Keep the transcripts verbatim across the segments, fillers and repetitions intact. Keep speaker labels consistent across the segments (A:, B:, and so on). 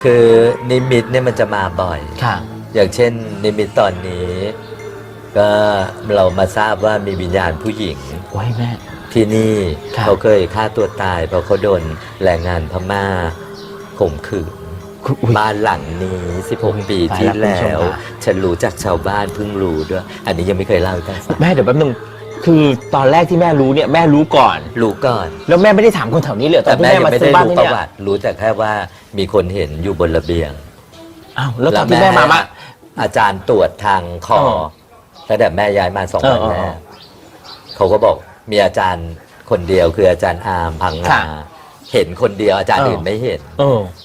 A: คือนิมิตเนี่ยมันจะมาบ่อย
B: ค่ะ
A: อย่างเช่นนิมิตตอนนี้ ก็เรามาทราบว่ามีวิญญาณผู้หญิง
B: ไว้แม่
A: ที่นี่เขาเคยฆ่าตัวตายเพราะเขาโดนแรงงานพม่าข่มขืนบ้านหลังนี้สิบหกปีที่แล้วฉันรู้จากชาวบ้านเพิ่งรู้ด้วยอันนี้ยังไม่เคยเล่าให้ฟัง
B: แม่เดี๋ยวแป๊บนึงคือตอนแรกที่แม่รู้เนี่ยแม่รู้ก่อน
A: รู้ก่อน
B: แล้วแม่ไม่ได้ถามคนแถวนี้เลยตอนที่แม่มาซื้อบ้าน
A: เนี่ยรู้แต่แค่ว่ามีคนเห็นอยู่บนระเบียง
B: อ้าวแล้วตอนที่แม่มามา
A: อาจารย์ตรวจทางคอตั้งแต่แม่ย้ายมาสองวันแรกเขาก็บอกมีอาจารย์คนเดียวคืออาจารย์อาร์มพังงาเห็นคนเดียวอาจารย์อื่นไม่เห็น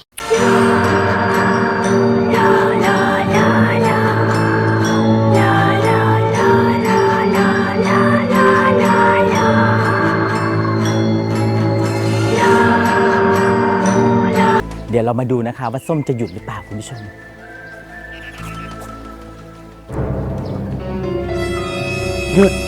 B: เดี๋ยวเรามาดูนะคะว่าส้มจะหยุดหรือเปล่าคุณผู้ชมหยุด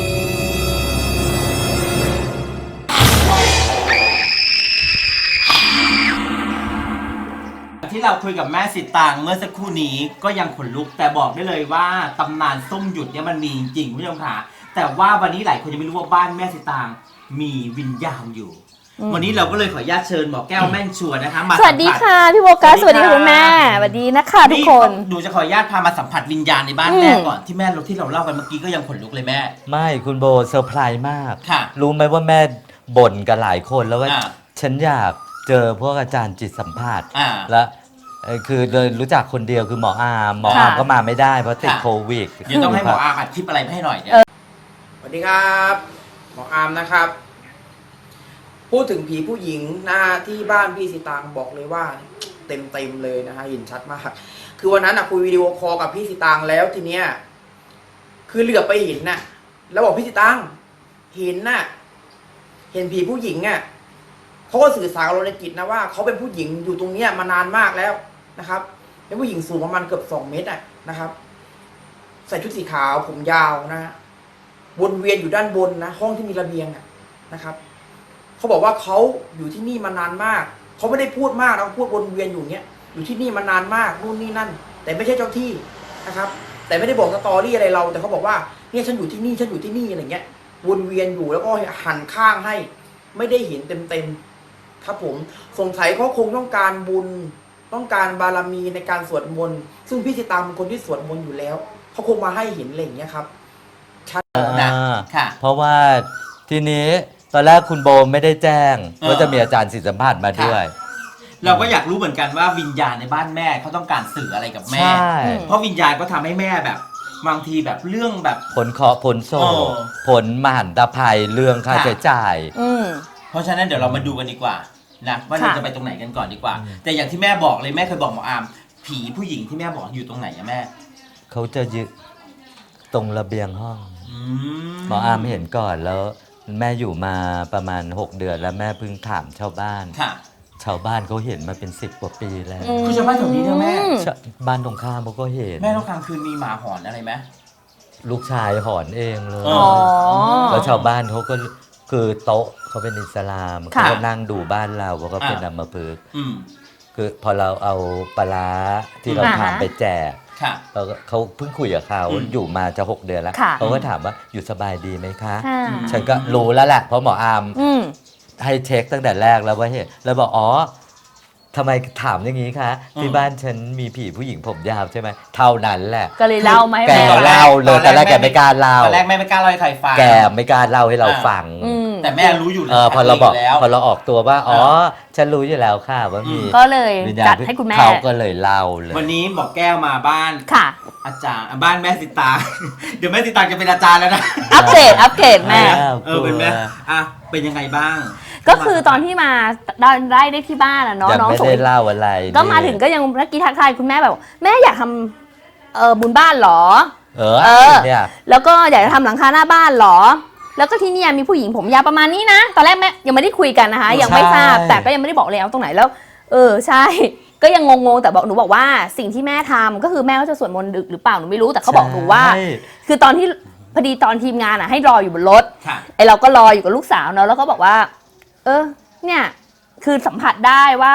B: ที่เราคุยกับแม่สิตางเมื่อสักครู่นี้ก็ยังขนลุกแต่บอกได้เลยว่าตำนานส้มหยุดเนี่ยมันมีจริงคุณผู้ชมค่ะแต่ว่าวันนี้หลายคนยังไม่รู้ว่าบ้านแม่สิตางมีวิญญาณอยู่วันนี้เราก็เลยขออนุญาตเชิญหมอแก้วแม่นชัวนะคะมา
C: สวัสดีค่ะพี่โบกัสสวัสดีค่ะคุณแม่สวัสดีนะคะทุกคน
B: หนูจะขออนุญาตพามาสัมผัสวิญญาณในบ้านแม่ก่อนที่แม่ที่เราเล่ากันเมื่อกี้ก็ยังขนลุกเลยแม่
A: ไม่คุณโบเซอร์ไพรส์มาก
B: ค่ะ
A: รู้ไหมว่าแม่บ่นกับหลายคนแล้วว่าฉันอยากเจอพวกอาจารย์จิตสัมภาษณ์และคือเลยรู้จักคนเดียวคือหมออาร์มหมออาร์มก็มาไม่ได้เพราะติดโควิด
B: เดี๋ยวต้องให้หมออาร์มอัดคลิปอะไรให้หน่อยเนี่ย
D: สวัสดีครับหมออาร์มนะครับพูดถึงผีผู้หญิงนะที่บ้านพี่สิตางบอกเลยว่าเต็มเต็มเลยนะฮะเห็นชัดมากคือวันนั้นอะคุยวิดีโอคอลกับพี่สิตางแล้วทีเนี้ยคือเหลือบไปเห็นน่ะแล้วบอกพี่สิตางเห็นน่ะเห็นผีผู้หญิงอะเขาก็สื่อสารกับเราในจิตนะว่าเขาเป็นผู้หญิงอยู่ตรงเนี้ยมานานมากแล้วนะครับเป็นผู้หญิงสูงประมาณเกือบสองเมตรอะนะครับใส่ชุดสีขาวผมยาวนะฮะวนเวียนอยู่ด้านบนนะห้องที่มีระเบียงอะนะครับเขาบอกว่าเขาอยู่ที่นี่มานานมากเขาไม่ได้พูดมากนะพูดวนเวียนอยู่เนี้ยอยู่ที่นี่มานานมากนู่นนี่นั่นแต่ไม่ใช่เจ้าที่นะครับแต่ไม่ได้บอกสตอรี่อะไรเราแต่เขาบอกว่าเนี่ยฉันอยู่ที่นี่ฉันอยู่ที่นี่อะไรเงี้ยวนเวียนอยู่แล้วก็หันข้างให้ไม่ได้เห็นเต็มเต็มครับผมสงสัยเขาคงต้องการบุญต้องการบารมีในการสวดมนต์ซึ่งพี่สิตางเป็นคนที่สวดมนต์อยู่แล้วเขาคงมาให้เห็นอะไรอย่างเงี้ยครับชัด
A: นะค่ะเพราะว่าทีนี้ตอนแรกคุณโบไม่ได้แจ้งว่าจะมีอาจารย์ศิษย์สัมภาษณ์มาด้วย
B: เราก็อยากรู้เหมือนกันว่าวิญญาณในบ้านแม่เขาต้องการสื่ออะไรกับแม่เพราะวิญญาณก็ทำให้แม่แบบบางทีแบบเรื่องแบบ
A: ผลเคราะห์ผลโศกผลมหันตภัยเรื่องค่าใช้จ่าย
B: เพราะฉะนั้นเดี๋ยวเรามาดูกันดีกว่านะว่าเราจะไปตรงไหนกันก่อนดีกว่าแต่อย่างที่แม่บอกเลยแม่เคยบอกหมออาร์มผีผู้หญิงที่แม่บอกอยู่ตรงไหนอะแม่
A: เขาจะยืนตรงระเบียงห้องหมออาร์มเห็นก่อนแล้วแม่อยู่มาประมาณหกเดือนแล้วแม่เพิ่งถามชาวบ้านชาวบ้านเขาเห็นมาเป็นสิบกว่าปีแล้ว
B: คือชาวบ้านแถวนี้เนี่ยแม่
A: บ้านตรงข้ามเขาก็เห็น
B: แม่ต้องกลางคืนมีหมาหอนอะไรไหม
A: ลูกชายหอนเองเลยแล้วชาวบ้านเขาก็คือโต๊ะเขาเป็นอิสลามเขาก็นั่งดูบ้านเราเขาก็เป็นอัมพฤกษ์คือพอเราเอาปลาที่เราทำไปแจกเขาเขาเพิ่งคุยกับเขาอยู่มาจะหกเดือนแล้วเขาก็ถามว่าอยู่สบายดีไหมคะฉันก็รู้แล้วแหละเพราะหมออาร์มให้เช็คตั้งแต่แรกแล้วว่าเห็นแล้วบอกอ๋อทำไมถามอย่างนี้คะที่บ้านฉันมีผีผู้หญิงผมยาวใช่ไหมเท่านั้นแหละ
C: ก็เลยเล่าไหม
A: แกเล่าเลยแต่แรกแกไม่กล้าเล่า
B: ตอนแรกแม่ไม่กล้าเล่าให้ใครฟัง
A: แกไม่กล้าเล่าให้เราฟัง
B: แต่แม่รู้อยู่
A: แล้วพอเราบอกพอเราออกตัวว่าอ๋อฉันรู้อยู่แล้วค่ะว่ามี
C: ก็เลยจัดให้คุณแม่
A: เขาก็เลยเล่าเลย
B: วันนี้บอกแก้วมาบ้าน
C: ค่ะ
B: อาจารย์บ้านแม่สิตาเดี๋ยวแม่สิตาจะเป็นอาจารย์แล้วนะ
C: อัปเกรดอัปเกรดแม่
B: เออเป็นแม่อ่ะเป็นยังไงบ้าง
C: ก็คือตอนที่มาได้ได้ได้ที่บ้านอะเนาะ
A: น้องไม่ได้เล่าอะไร
C: ก็มาถึงก็ยังเมื่อกี้ทักทายคุณแม่แบบแม่อยากทำเออบุญบ้านหรอ
A: เออเออ
C: แล้วก็อยากจะทำหลังคาหน้าบ้านหรอแล้วก็ที่นี่มีผู้หญิงผมยาวประมาณนี้นะตอนแรกแม่ยังไม่ได้คุยกันนะคะยังไม่ทราบแต่ก็ยังไม่ได้บอกเลยเอาตรงไหนแล้วเออใช่ก็ยังงงๆแต่บอกหนูบอกว่าสิ่งที่แม่ทำก็คือแม่ก็จะสวดมนต์ดึกหรือเปล่าหนูไม่รู้แต่เขาบอกหนูว่าคือตอนที่พอดีตอนทีมงานอ่ะให้รออยู่บนรถไอเราก็รออยู่กับลูกสาวเนาะแล้วก็บอกว่าเออเนี่ยคือสัมผัสได้ว่า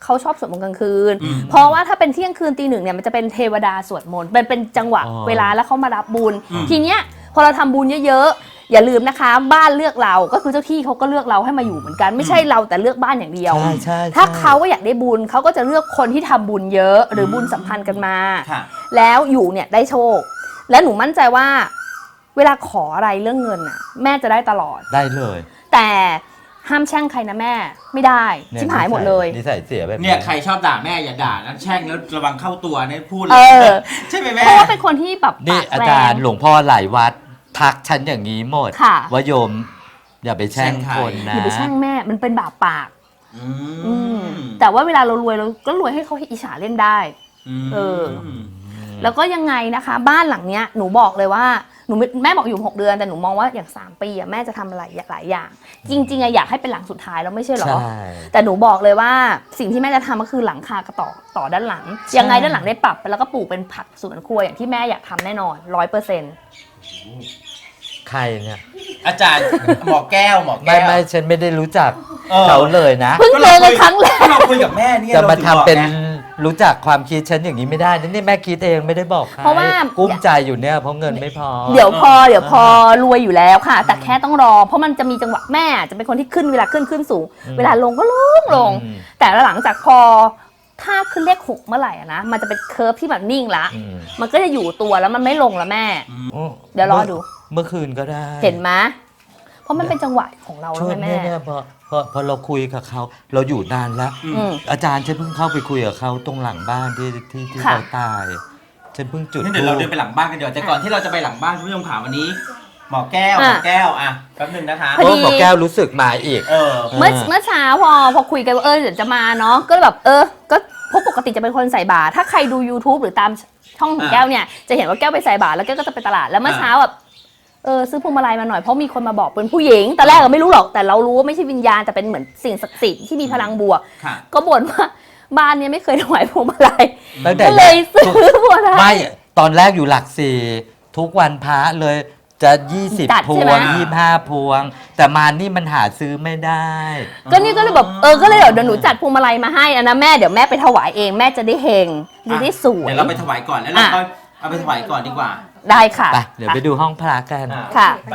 C: เขาชอบสวดมนต์กลางคืน เพราะว่าถ้าเป็นเที่ยงคืนตีหนึ่งเนี่ยมันจะเป็นเทวดาสวดมนต์เป็นเป็นจังหวะเวลาแล้วเขามารับบุญทีเนี้ยพอเราทำบุญเยอะๆอย่าลืมนะคะบ้านเลือกเราก็คือเจ้าที่เขาก็เลือกเราให้มาอยู่เหมือนกันไม่ใช่เราแต่เลือกบ้านอย่างเดียว
A: ใช่ใช่
C: ถ้าเขาก็อยากได้บุญเขาก็จะเลือกคนที่ทำบุญเยอะหรือบุญสัมพันธ์กันมา
B: ค่ะ
C: แล้วอยู่เนี่ยได้โชค และหนูมั่นใจว่าเวลาขออะไรเรื่องเงินน่ะแม่จะได้ตลอด
A: ได้เลย
C: แต่ห้ามแช่งใครนะแม่ไม่ได้
A: เนี่
C: ชิบหายหมดเลย
A: นิสัยเสียแบบ
B: เนี่ยใครชอบด่าแม่อย่าด่านะแช่งแล้วระวังเข้าตัวเนี่ยพูดเล
C: เอย อ
B: ใช่ไหมแม่
C: เพราะว่าเป็นคนที่แบบ
A: นี่
C: ปาก
A: อา
C: แร
A: จารง ย์หลวงพ่อหลายวัดทักฉันอย่างนี้หมด
C: ค่ะ
A: ว่าโยมอย่าไปแช่งคนนะ
C: อย่าไปแช่งแม่มันเป็นบาปปาก
B: อื
C: อื
B: ม
C: มแต่ว่าเวลาเรารวยเราก็รวยให้เขาอิจฉาเล่นได้ เออ แล้วก็ยังไงนะคะ บ้านหลังเนี้ยหนูบอกเลยว่าหนูแม่บอกอยู่หกเดือนแต่หนูมองว่าอย่างสามปีอะแม่จะทำอะไรหลายอย่าง จริงๆอะอยากให้เป็นหลังสุดท้ายแล้วไม่ใช่หรอ
A: ใช่
C: แต่หนูบอกเลยว่าสิ่งที่แม่จะทำก็คือหลังคากระต่อต่อด้านหลัง ยังไงด้านหลังได้ปรับแล้วก็ปลูกเป็นผักสวนครัวอย่างที่แม่อยากทำแน่นอนร้อยเปอร์เซ็นต์
A: ใครเนี่ย
B: อาจารย์หมอแก้วหมอ
A: ไม่
B: แก้ว
A: ไม่ฉันไม่ได้รู้จัก
B: เออ
A: เขาเลยนะ
C: เพิ่งเจอกันครั้งแรก
B: ก็เราคุยกับแม่เนี่ย
A: จะมาทำ
B: รถึงบอก
A: เป็น
B: ไง
A: รู้จักความคิดฉันอย่างนี้ไม่ได้นะนี่แม่คิดเองไม่ได้บอกใคร
C: เพราะว่า
A: กุ้มใจอยู่เนี่ยเพราะเงินไม่พอ
C: เดี๋ยวพอเดี๋ยวพอรวยอยู่แล้วค่ะ แต่แค่ต้องรอ เพราะมันจะมีจังหวะแม่จะเป็นคนที่ขึ้นเวลาขึ้นขึ้นสูง
A: อืม
C: เวลาลงก็ลงลง
A: อืม
C: แต่หลังจากพอถ้าขึ้นเลขหกเมื่อไหร่อะนะมันจะเป็นเคิร์ฟที่แบบนิ่งละ
A: อืม
C: มันก็จะอยู่ตัวแล้วมันไม่ลงละแม่ เดี๋ยวรอดู
A: เมื่อคืนก็ได้
C: เห็นไหมเพราะมันเป็นจังหวะของเรา
A: ช่ว
C: แล้ว
A: ง
C: ไง
A: เนี้
C: แม่
A: ยเนี่ยพอพอพอเราคุยกับเขาเราอยู่นานแล้ว
C: อืม
A: อาจารย์ฉันเพิ่งเข้าไปคุยกับเขาตรงหลังบ้านที่ที่ที่
C: ค่ะ
A: เขาตายฉันเพิ่งจุด
B: งั้นเดี๋ยวเราเดินไปหลังบ้านกันเดี๋ยวแต่ก่อนที่เราจะไปหลังบ้านคุณผู้ชมขาวันนี้ หมอแก้วหมอแก้วอ่ะแป๊บหนึงนะคะ
C: พอ
A: โอ้
C: ดี
A: หมอแก้วรู้สึกมาอีก
B: เออ
C: เมื่อเมื่อเช้าพอพอคุยกันว่าเออเดี๋ยวจะมาเนาะก็แบบเออก็เพราะปกติจะเป็นคนใส่บาตรถ้าใครดู YouTube หรือตามช่องของ
B: อ่า
C: แก้วเนี่ยจะเห็นว่าแก้วไปใส่บาตรแล้วแก้วก็จะไปตลาดแล้วเมื่อเช้าแบบเออซื้อพวงมาลัยมาหน่อยเพราะมีคนมาบอกเป็นผู้หญิงแต่แรกเราไม่รู้หรอกแต่เรารู้ว่าไม่ใช่วิญญาณแต่เป็นเหมือนสิ่งศักดิ์สิทธิ์ที่มีพลังบวก
B: ค่ะ
C: ก็บ่นว่าบ้านเนี้ไม่เคยถวายพวงมาลัย
A: ตั้งแต่
C: ก็เลยซื้อพวงมาลั
A: ไม่
C: ย
A: ตอนแรกอยู่หลักสี่ทุกวันพระเลยจะยี่สิบ
C: จัด
A: พ
C: ใช่
A: ว
C: ไหม
A: งยี่ห้าพวง แต่มานี่มันหาซื้อไม่ได้
C: ก็นี่ก็เลยแบบเออก็เลยเดี๋ยวหนูจัดพวงมาลัยมาให้อะนะแม่เดี๋ยวแม่ไปถวายเองแม่จะได้เฮงจะได้สวย
B: เดี๋ยวเราไปถวายก่อนแล้วเราก็เอาไปถวายก่อนดีกว่า
C: ได้ค่ะ
A: ไป เดี๋ยวไปดูห้องพระกัน
B: อ่
C: ค่ะ
B: ไป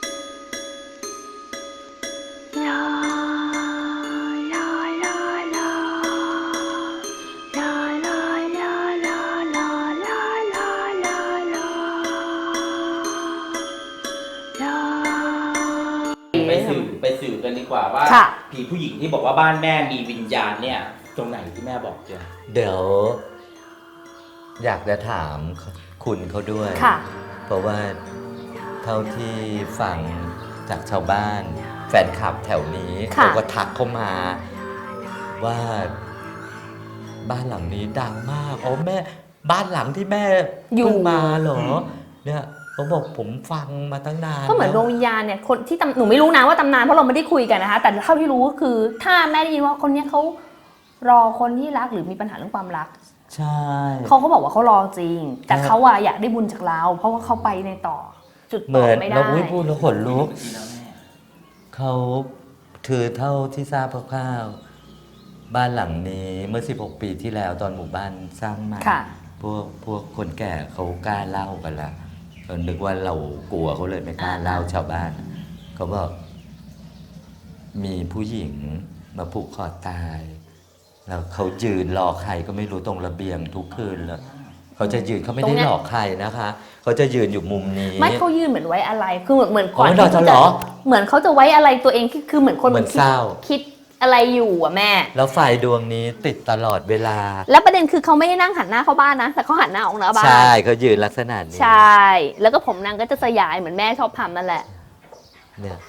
B: ไปสื่อไปสื่อกันดีกว่าว่า
C: ค่ะ
B: ผีผู้หญิงที่บอกว่าบ้านแม่มีวิญญาณเนี่ย ตรงไหนที่แม่บอกเจอ
A: เดี๋ยว อยากจะถามคุณเขาด้วย
C: ค่ะ
A: เพราะว่าเท่าที่ฟังจากชาวบ้าน แฟนคลับแถวนี้
C: ค่ะ
A: เขาก็ทักเข้ามา ว่าบ้านหลังนี้ดังมากอ๋อแม่ บ้านหลังที่แม่
C: อยู่
A: เพิ่งมาเหรอ เนี่ยเขาบอกผมฟังมาตั้งนาน
C: ก็เหมือนดวงวิญญาณเนี่ยคนที่ตำหนูไม่รู้นะว่าตำนานเพราะเราไม่ได้คุยกันนะคะ แต่เท่าที่รู้ก็คือ ถ้าแม่ได้ยินว่าคนเนี้ยเขารอคนที่รักหรือมีปัญหาเรื่องความรัก
A: ใช่
C: เขาก็บอกว่าเขารอจริง แต่
A: ครับ
C: เขาอะอยากได้บุญจากเรา เพราะว่าเขาไปในต่อ จุด
A: เห
C: ต่
A: มื
C: อ
A: อน
C: ไม่ได้
A: เราอุ้ยพูดแล้วขนลุก
B: จริงๆแล้วแม่
A: เขาถือเท่าที่ทราบคร่าวๆบ้านหลังนี้เมื่อสิบหกปีที่แล้วตอนหมู่บ้านสร้างใหม่
C: ค่ะ
A: พวกพวกคนแก่เขากล้าเล่ากันละเรานึกว่าเรากลัวเขาเลยไม่กล้าเล่าชาวบ้าน เขาบอกมีผู้หญิงมาผูกคอตาย แล้วเขายืนรอใครก็ไม่รู้ตรงระเบียงทุกคืนเลยเขาจะยืนเขาไม่ได้หลอกใครนะคะเขาจะยืนอยู่มุมนี้
C: ไม่เขายื่นเหมือนไว้อะไร คือเหมือนเหมือนก่อน
A: อ๋อเหรอ
C: ที่
A: เหรอ
C: เหมือนเขาจะไว้อะไรตัวเองคือคือเหมือนคน
A: เหมือน
C: คิด
A: เศร้า
C: คิดอะไรอยู่อะแม่
A: แล้วไฟดวงนี้ติดตลอดเวลา
C: แล้วประเด็นคือเขาไม่ได้นั่งหันหน้าเข้าบ้านนะ แต่เขาหันหน้าออกนอกบ้าน
A: ใช่เขายืนลักษณะนี้
C: ใช่ แล้วก็ผมนางก็จะสยายเหมือนแม่ชอบทำนั่นแหละ
A: เนี่ย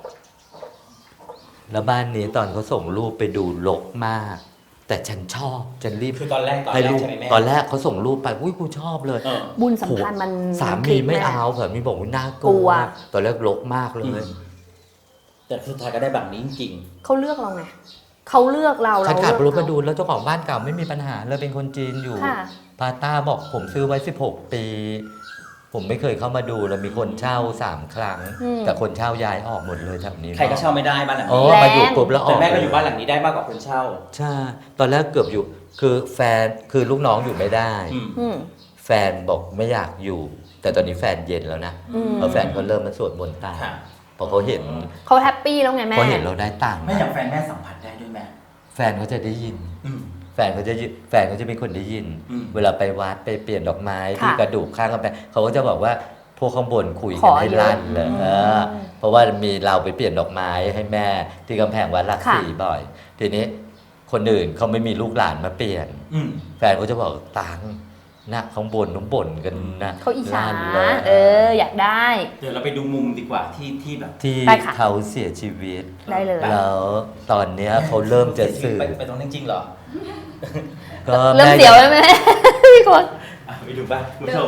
A: แล้วบ้านนี้ตอนเขาส่งรูปไปดูรกมาก แต่ฉันชอบฉันรีบ
B: คือตอนแรกตอน
A: ให้
B: แรก
A: รูป
B: ใช่ไหมแม่
A: ตอนแรกเขาส่งรูปไปอุ้ยกูชอบเลย
B: เออ
C: บุญสัมพันธ์มัน
A: สามีไม่เอาสามีบอกว่าน่าก
C: กลั
A: ลัว
C: ว
A: ตอนแรกรกมากเลย
B: แต่สุดท้ายก็ได้แบบนี้จริง
C: เขาเลือกเราไงเขาเลือกเรา
A: ฉัน
C: เรา
A: ขับร
C: เลื
A: ถ
C: อก
A: มา
C: เขา
A: ดูแล้วเจ้าของบ้านเก่าไม่มีปัญหาเลยเป็นคนจีนอยู่
C: ค่ะ
A: พาต้าบอกผมซื้อไว้สิบหกปีผมไม่เคยเข้ามาดูแล้วมีคนเช่าสามครั้ง
C: อืม
A: แต่คนเช่าย้ายออกหมดเลยแถวนี้
B: ใครก็เช่าไม่ได้บ้านหลัง
A: อ๋อ
B: นี้
A: มาอยู่ปุ๊บแล้วอ
B: แต่
A: อก
B: แม่ก็อยู่บ้านหลังนี้ได้มากกว่าคนเช่า
A: ใช่ตอนแรกเกือบอยู่คือแฟนคือลูกน้องอยู่ไม่ได้
B: อืม
C: อืม
A: แฟนบอกไม่อยากอยู่ แต่ตอนนี้แฟนเย็นแล้วนะ
C: อืม
A: เพราะแฟนเขาเริ่มมาสวดมนต์ตาม
B: ค่ะ
A: พอเขาเห็น
C: เขาแฮปปี้แล้วไงแม่
A: เขาเห็นเราได้ตังค์
B: แม่อย่างแฟนแม่สัมผัสได้ด้วยแม่
A: แฟนเขาจะได้ยิน
B: อืม
A: แฟนเขาจะยิแฟนเขาจะเป็นคนได้ยิน
B: อืม
A: เวลาไปวัดไปเปลี่ยนดอกไม้
C: ค่ะ
A: ที่กระดูกข้างกำแพงเขาก็จะบอกว่าพวกข้างบนคุย
C: ข
A: กัน
C: อ
A: ให้
C: เยอะ
A: ลั่นเลย
C: อืม
A: เออเพราะว่ามีเราไปเปลี่ยนดอกไม้ให้แม่ที่กำแพงวัดหลัก
C: ค่ะ
A: สี่บ่อย ทีนี้คนอื่นเขาไม่มีลูกหลานมาเปลี่ยน
B: อืม
A: แฟนเขาจะบอกตังนะข้างบนน้องบ่นกันนะ
C: เขาอิจฉา
A: ลั่นเลย
C: เออ อยากได้
B: เดี๋ยวเราไปดูมุมดีกว่าที่ที่แบบ
A: ที่
C: ไปค่ะ
A: เขาเสียชีวิต
C: ได้เลย
A: แล้วตอนเนี้ยเขาเริ่มจะสื่อ
B: ไปไปตรงนั้นจริงเหรอ
A: ก็
C: เริ่ม
A: แ
C: เสียวแล้วไหม พี่คน
B: อ่ะไปดูบ้านคุณผู้ชม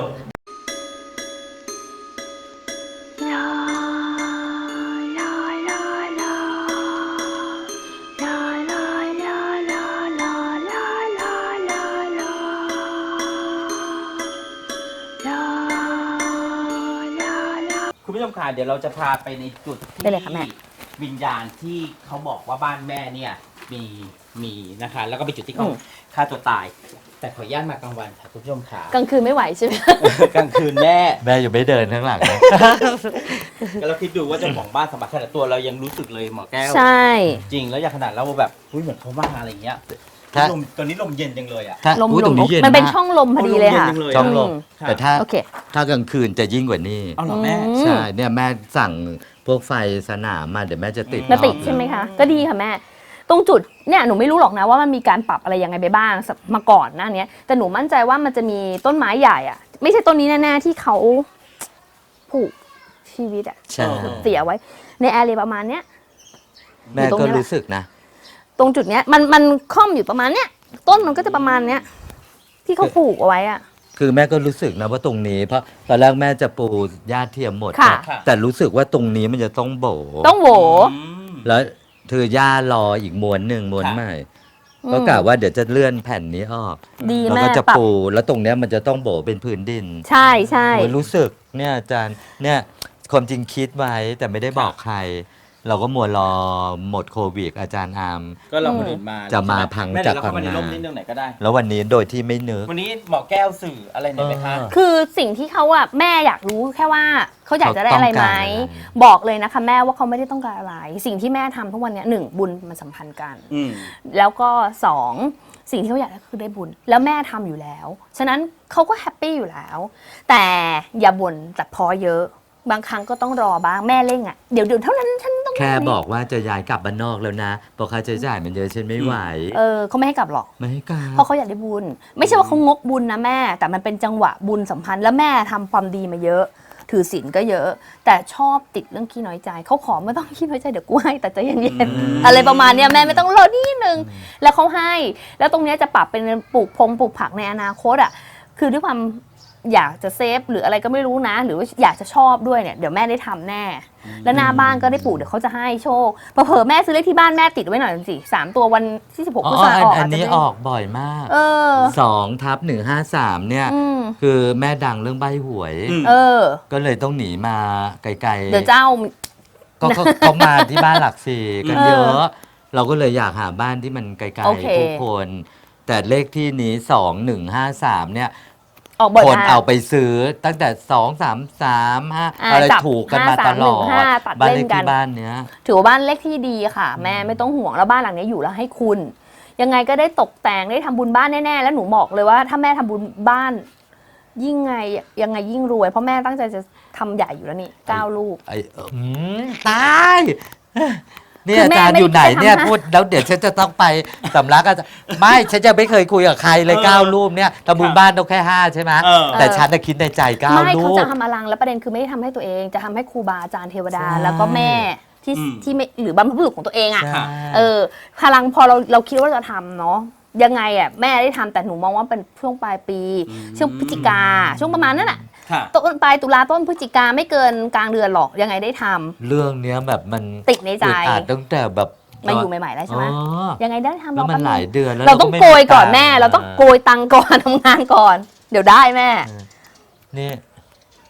B: คุณผู้ชมค่ะเดี๋ยวเราจะพาไปในจุดที่
C: ได้เลยค่ะแม่
B: วิญญาณที่เขาบอกว่าบ้านแม่เนี่ยมีมีนะคะ แล้วก็เป็นจุดที่เขา
C: อืม
B: ฆ่าตัวตาย แต่ขออนุญาตมากลางวันค่ะคุณผู้ชมค่ะ
C: กลางคืนไม่ไหวใช่ไหม
B: กลางคืนแม่
A: แม่อยู่ไม่เดินข้างหลังนะ
B: ก็เราคิดดูว่าเจ้าของบ้านสมบัติขนาดตัวเรายังรู้สึกเลยหมอแก้ว
C: ใช่
B: จริงแล้วอย่างขนาดเราแบบอุ้ยเหมือนเขามาอะไรอย่างเงี้ย
A: ถ้า
B: ลมตอนนี้ลมเย็นจังเลยอ่ะ
A: ถ้า
C: ลม
A: อุ๊ย
C: ล
A: ตร
C: ม
A: งนี้เย็น
C: มันเป็น
A: มาก
C: ช่องลมพอดีเลยค่ะ
B: ลมเย็นจังเลย
A: ช่องลม
C: อืม
A: แต่ถ้า
C: โอเค
A: ถ้ากลางคืนจะยิ่งกว่านี้
B: เอาเหรอแม่
C: อืม
A: ใช่เนี่ยแม่สั่งพวกไฟสนามมาเดี๋ยวแม่จะติด
C: มาติด
A: ห้อง
C: ใช่ไหมคะ ก็ดีค่ะแม่ ตรงจุดเนี่ยหนูไม่รู้หรอกนะว่ามันมีการปรับอะไรยังไงไปบ้างสมาก่อนหน้าเนี้ยแต่หนูมั่นใจว่ามันจะมีต้นไม้ใหญ่อะไม่ใช่ต้นนี้แน่ๆที่เขาผูกชีวิตอะ
A: ใช่
B: อ
C: เสียไว้ ในแอเรียประมาณเนี้ย
A: แม่
C: อยู่ตรง
A: ก็
C: นี้แหละ
A: รู้สึกนะ
C: ตรงจุดเนี้ยมันมันค่อมอยู่ประมาณเนี้ยต้นมันก็จะประมาณเนี้ยที่เขาผูกเอาไว้อะ
A: คือแม่ก็รู้สึกนะว่าตรงนี้เพราะตอนแรกแม่จะปูหญ้าเทียมหมด
C: ค่ะ
A: นะแต่รู้สึกว่าตรงนี้มันจะต้องโบ
C: ต้องโหว
B: อืม
A: แล้วถือหญ้ารออีกม้วนหนึ่งม้วน
B: ค่ะ
A: ใหม่
C: อืม
A: ก็กะว่าเดี๋ยวจะเลื่อนแผ่นนี้ออก
C: ดี
A: แล้ว
C: แม่
A: ก็จะ
C: ปรับ
A: ปูแล้วตรงเนี้ยมันจะต้องโบเป็นพื้นดิน
C: ใช่ใช่
A: โอ้ยรู้สึกเนี่ยอาจารย์เนี่ยความจริงคิดไว้แต่ไม่ได้บอกใคร เราก็มัวรอหมดโควิดอาจารย์อาม
B: ก็เราคนอื่นมา
A: จะมาพัง
B: แม่
A: จาก
B: เดี๋ยวเราเข้ามาใน
A: พังงา
B: ร่มนิดนึงไหนก็ได้
A: แล้ววันนี้โดยที่ไม่นึก
B: วันนี้หมอแก้วสื่ออะไรหน่อยไหมคะ
A: เออ
C: คือสิ่งที่เขาอะแม่อยากรู้แค่ว่าเขาอยากจะได้อะไรไหม
A: เขาต้องการอะไร
C: บอกเลยนะคะแม่ว่าเขาไม่ได้ต้องการอะไร สิ่งที่แม่ทำทุกวันเนี้ยหนึ่งบุญมันสัมพันธ์กัน
B: อืม
C: แล้วก็สองสิ่งที่เขาอยากได้คือได้บุญ แล้วแม่ทำอยู่แล้ว ฉะนั้นเขาก็แฮปปี้อยู่แล้ว แต่อย่าบ่นแต่พอเยอะ บางครั้งก็ต้องรอบ้างแม่เร่งอะเดี๋ยวเดี๋ยวเท่านั้นฉันต้อง
A: แค่บอกว่าจะย้ายกลับบ้านนอกแล้วนะเพราะค่าใช้จ่ายมันเยอะฉันไม่ไหว
C: เออเขาไม่ให้กลับหรอก
A: ไม่ให้กลับ
C: เพราะเขาอยากได้บุญ ไม่ใช่ว่าเขางกบุญนะแม่ แต่มันเป็นจังหวะบุญสัมพันธ์แล้วแม่ทำความดีมาเยอะ ถือศีลก็เยอะ แต่ชอบติดเรื่องขี้น้อยใจเขาขอไม่ต้องขี้น้อยใจเดี๋ยวกูให้แต่ใจเย็น
A: อืม
C: ๆอะไรประมาณเนี้ยแม่ไม่ต้องรอนิดนึงแล้วเขาให้ แล้วตรงเนี้ยจะปรับเป็นปลูกพงปลูกผักในอนาคตอ่ะคือด้วยความอยากจะเซฟหรืออะไรก็ไม่รู้นะ หรือว่าอยากจะชอบด้วยเนี่ยเดี๋ยวแม่ได้ทำแน่ แล้วหน้าบ้านก็ได้ปลูกเดี๋ยวเขาจะให้โชคเผลอๆแม่ซื้อเลขที่บ้านแม่ติดไว้หน่อยสิสามตัววันที่สิบหก
A: อ๋
C: พฤ
A: อ
C: ษภา
A: อั
C: คน มออก
A: อัน
C: อาจจะ
A: นี้
C: ได้
A: ออกบ่อยมาก
C: เออ
A: สองทับหนึ่งห้าสามเนี่ย
C: อืม
A: คือแม่ดังเรื่องใบหวย
B: อืม
C: เออ
A: ก็เลยต้องหนีมาไกลๆ
C: เดี๋ยวเจ้า
A: ก็เขาเขามาที่บ้านหลักสี่กัน
C: เออ
A: เยอะ เราก็เลยอยากหาบ้านที่มันไกล
C: โอเค
A: ๆผู้คน แต่เลขที่นี้สองหนึ่งห้าสามเนี่ย
C: ออกบ่อย
A: คน
C: มาก
A: เอาไปซื้อตั้งแต่สองสามสามห้า
C: อ่า
A: อะไร
C: จับ
A: ถูกกันมาตลอด
C: ห้าสามหนึ่งห้าตัด
A: บ้าน
C: เล่
A: เล
C: น
A: ข
C: กัน
A: ที่บ้านเนี้ย
C: ถือว่าบ้านเลขที่ดีค่ะ แม่ไม่ต้องห่วงแล้วบ้านหลังนี้อยู่แล้วให้คุณ ยังไงก็ได้ตกแต่งได้ทำบุญบ้านแน่ๆแล้วหนูบอกเลยว่าถ้าแม่ทำบุญบ้าน ยิ่งไงยังไงยิ่งรวย เพราะแม่ตั้งใจจะทำใหญ่อยู่แล้วนี่เก้าลูก
A: ไอ้เอออืมตายเนี่ย
C: คือ
A: อา
C: แม่
A: จารย์
C: ไม่
A: อยู่ไหน
C: ได้ทำ
A: เนี่ย
C: นะ
A: พูดแล้วเดี๋ยวฉันจะต้องไปสำลักอาจารย์ไม่ฉันจะไม่เคยคุยกับใครเลย
B: เออ
A: เก้ารูปเนี่ยทำบุญบ้านต้องแค่ห้าใช่ไหม
B: เออ
A: แต่ฉันน่ะคิดในใจเก้า
C: ไม่
A: รู
C: เขา
A: ป
C: จะทำอลังแล้วประเด็นคือไม่ได้ทำให้ตัวเอง จะทำให้ครูบาอาจารย์เทวดา
A: ใช่
C: แล้วก็แม่ที่
B: อืม
C: ที่ไม่หรือบรรพบุรุษของตัวเองอ่ะ
A: ใช่
C: เออพลังพอเราเราคิดว่าจะทำเนาะยังไงอ่ะแม่ได้ทำแต่หนูมองว่าเป็นช่วงปลายปี ช่วงพฤศจิกาช่วงประมาณนั้นอ่ะ
B: ค่ะ
C: ต้นปลายตุลาต้นพฤศจิกาไม่เกินกลางเดือนหรอกยังไงได้ทำ
A: เรื่องเนี้ยแบบมัน
C: ติดในใจ
A: อึดอัดตั้งแต่แบบ
C: มาอยู่ใหม่ๆแล้วใช่ไหม
A: อ๋อ
C: ยังไงได้ทำ
A: แล้วมัน
C: แป๊บ
A: หลาย
C: นึง
A: เดือนแล้ว
C: เราต้อง
A: ไม่
C: โกยก่อน
A: ตังค์
C: แม่ เราต้องโกยตังค์ก่อน ทำงานก่อน เดี๋ยวได้แม่
A: นี่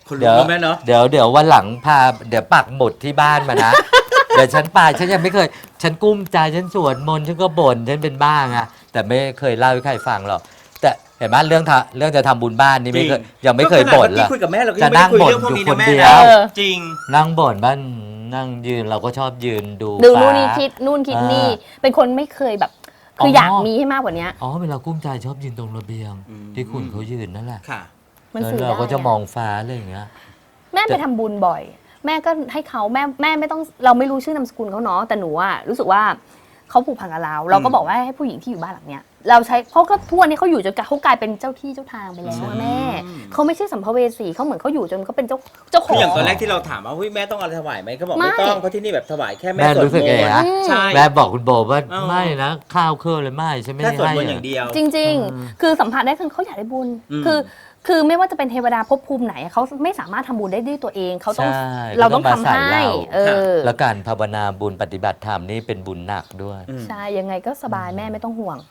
B: คนลุ
A: เดี๋
B: ก
A: ยว
B: แม่เนาะ
A: เดี๋ยวเดี๋ยววันหลังพาเดี๋ยวปักหมุดที่บ้านมานะ เดี๋ยวฉันไปฉันยังไม่เคย ฉันกุ้มใจฉันสวดมนต์ฉันก็บ่นฉันเป็นบ้างอะแต่ไม่เคยเล่าให้ใครฟังหรอกแต่เห็นไหมเรื่องทะเรื่องจะทำบุญบ้านนี่ไม่เคยยังไม่เคยบ่นเลย
B: ก็ขนาดคุยกับแม่เราก็
A: จะ
B: ยังไม่
A: นั่
B: ได้
A: ง
B: คุย
A: บ่น
B: เรื่องพวกนี้
A: อยู่
B: นะ
A: คน
B: แม่
A: เดีย
B: นะ
A: ว
C: เออ
B: จริง
A: นั่งบ่นบ้านนั่งยืนเราก็ชอบยืนดู
C: ดู
A: ฟ้า
C: นู่นนี่คิดนู่นคิดนี่ เป็นคนไม่เคยแบบ คืออ
A: อ
C: อยากมีให้มากกว่านี้
A: อ๋อเวลากุ้มใจชอบยืนตรงระเบียง
B: อืม
A: ที่คุณเขายืนนั่นแหละ
B: ค่ะ
C: มัน
A: แล้ว
C: สื่อ
A: เรา
C: ได้
A: ก็จะ
C: อะ
A: มองฟ้าอะไรอย่างเงี้ย
C: แม่ไปทำบุญบ่อย แม่ก็ให้เขาแม่แม่ไม่ต้องเราไม่รู้ชื่อนามสกุลเขาเนาะแต่หนูอะรู้สึกว่าเขาผูกพันกับเรา เราก็บอกว่าให้ผู้หญิงที่อยู่บ้านหลังเนี้ยเราใช้เพราะก็ทั่วนี้เขาอยู่จนเขากลายเป็นเจ้าที่เจ้าทางไปแล้วอะแม่เขาไม่ใช่สัมภเวสีเขาเหมือนเขาอยู่จนเขาเป็นเจ้าเจ้าข
B: คือ อง อย่างตอนแรกที่เราถามว่าเฮ้ยแม่ต้องอะไรถวายไหมก็บอก
C: ไม่
B: ไม่ต้องเพราะที่นี่แบบถวายแค่แม่
A: แม่
B: สวด
A: รู้สึก
B: ม
A: ไง
B: นต์
A: นะ
B: ใช่
A: แม่บอกคุณโบว่า
B: เออ
A: ไม่นะข้าวเครื่องเลยไม่ฉันไม่
B: แค่
A: ได้
B: สวด
A: ให้
B: มนต์อย่างเดียว
C: จริง ๆ คือสัมผัสได้คือเขาอยากได้บุญ
B: อืม
C: คือ คือไม่ว่าจะเป็นเทวดาภพภูมิไหนเขาไม่สามารถทำบุญได้ด้วยตัวเองเขาต้อง
A: ใช่
C: เราต้อง
A: มา
C: ทำ
A: ใส่
C: ให้
A: เรา
C: เออ
A: แล้วการภาวนาบุญปฏิบัติธรรมนี่เป็นบุญหนักด้วย
C: ใช่ยังไงก็สบายแม่ไม่ต้องห่วง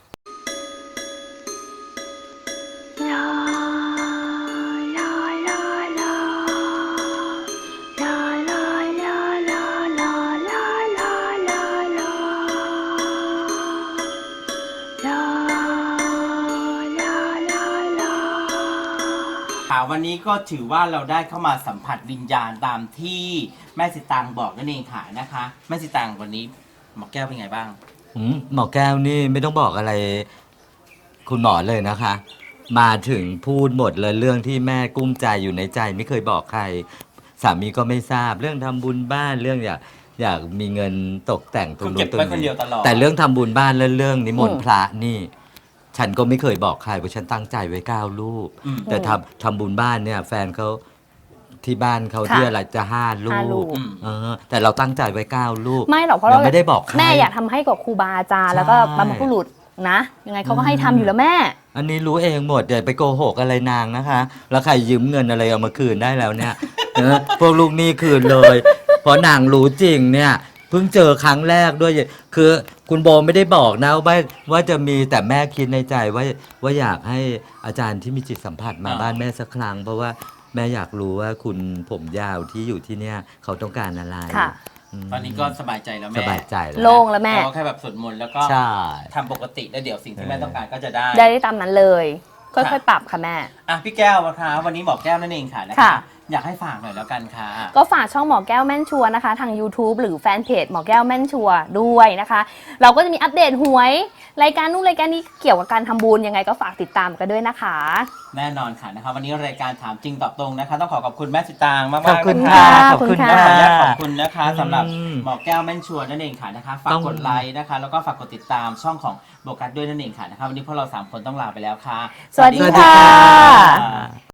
B: ค่ะวันนี้ก็ถือว่าเราได้เข้ามาสัมผัสวิญญาณตามที่แม่สิตางบอกนั่นเองค่ะนะคะแม่สิตางวันนี้หมอแก้วเป็นไงบ้าง
A: อืมหมอแก้วนี่ไม่ต้องบอกอะไร คุณหมอเลยนะคะ มาถึงพูดหมดเลยเรื่องที่แม่กุ้มใจอยู่ในใจ ไม่เคยบอกใคร สามีก็ไม่ทราบเรื่องทำบุญบ้านเรื่องอยากอยากมีเงินตกแต่งตรง
B: คือเก็
A: นู้
B: บ
A: นตรง
B: ไว้คนเดี
A: นี้
B: ยวตลอด
A: แต่เรื่องทำบุญบ้านและเรื่องนิมน
C: อื
A: ต์
C: ม
A: พระนี่ ฉันก็ไม่เคยบอกใครเพราะฉันตั้งใจไว้เก้ารูป
B: อืม
A: แต่ทำทำบุญบ้านเนี่ย แฟนเขาที่บ้านเขา
C: ค่ะ
A: ที่อะไรจะห้ารู
C: ห้ารู
A: ป
C: ป
A: เออแต่เราตั้งใจไว้เก้ารูป
C: ไม่หรอกเพราะ
A: เรา
C: เรา
A: ไม่ได้บอกใคร
C: แม่อยากทำให้กับครูบาอาจารย์แล้วก็
A: ใช่
C: บรรพบุรุษนะ ยังไงเขาก็ให้ทำอยู่แล้วแม่
A: อันนี้รู้เองหมดอย่าไปโกหกอะไรนางนะคะ แล้วใครยืมเงินอะไรเอามาคืนได้แล้วเนี่ย เออพวกลูกหนี้คืนเลย เพราะนางรู้จริงเนี่ยเพิ่งเจอครั้งแรกด้วย คือคุณโบไม่ได้บอกนะว่าว่าจะมีแต่แม่คิดในใจว่าว่าอยากให้อาจารย์ที่มีจิตสัมผัสมา
B: อ่า
A: บ้านแม่สักครั้ง เพราะว่าแม่อยากรู้ว่าคุณผมยาวที่อยู่ที่เนี่ยเขาต้องการอะไร
C: ค่ะ
A: ม
B: ตอนนี้ก็สบายใจแล้ว
A: ส
B: แม่
A: บายใจแล้ว
C: โล่งแล้วแม่
B: เราแค่แบบสวดมนต์แล้วก็
A: ใช่
B: ทำปกติแล้วเดี๋ยวสิ่งที่แม่ต้องการก็จะได้
C: ได้ได้ตามนั้นเลย ค่อยๆปรับค่ะแม่
B: อ่ะพี่แก้วนะคะวันนี้หมอแก้วนั่นเองค่ะนะ
C: ค่ะ
B: คะอยากให้ฝากหน่อยแล้วกันค่ะ
C: ก็ฝากช่องหมอแก้วแม่นชัวร์นะคะ ทาง YouTube หรือแฟนเพจหมอแก้วแม่นชัวร์ด้วยนะคะ เราก็จะมีอัปเดตหวย รายการนู่นรายการนี้เกี่ยวกับการทำบุญยังไงก็ฝากติดตามกันด้วยนะคะ
B: แน่นอนค่ะนะคะวันนี้รายการถามจริงตอบตรงนะคะ ต้องขอขอบคุณแม่สิตางมากๆ
A: ขอบคุณ
B: นะ
A: ค่ะ
C: ะ
A: ขอบคุณ
C: ขอบคุณ
A: ค่ะ
C: ค่ะ
B: ขออนุญาตขอบคุณนะคะสำหรับ
A: อืม
B: หมอแก้วแม่นชัวร์นั่นเองค่ะนะคะฝาก
A: ต้อง
B: กดไลค์นะคะแล้วก็ฝากกดติดตามช่องของโบกัสด้วยนั่นเองค่ะนะคะวันนี้พวกเราสามคนต้องลาไปแล้วค่ะ
C: สวัสดี
A: สวัสดี
C: ค่ะ
A: ค่ะ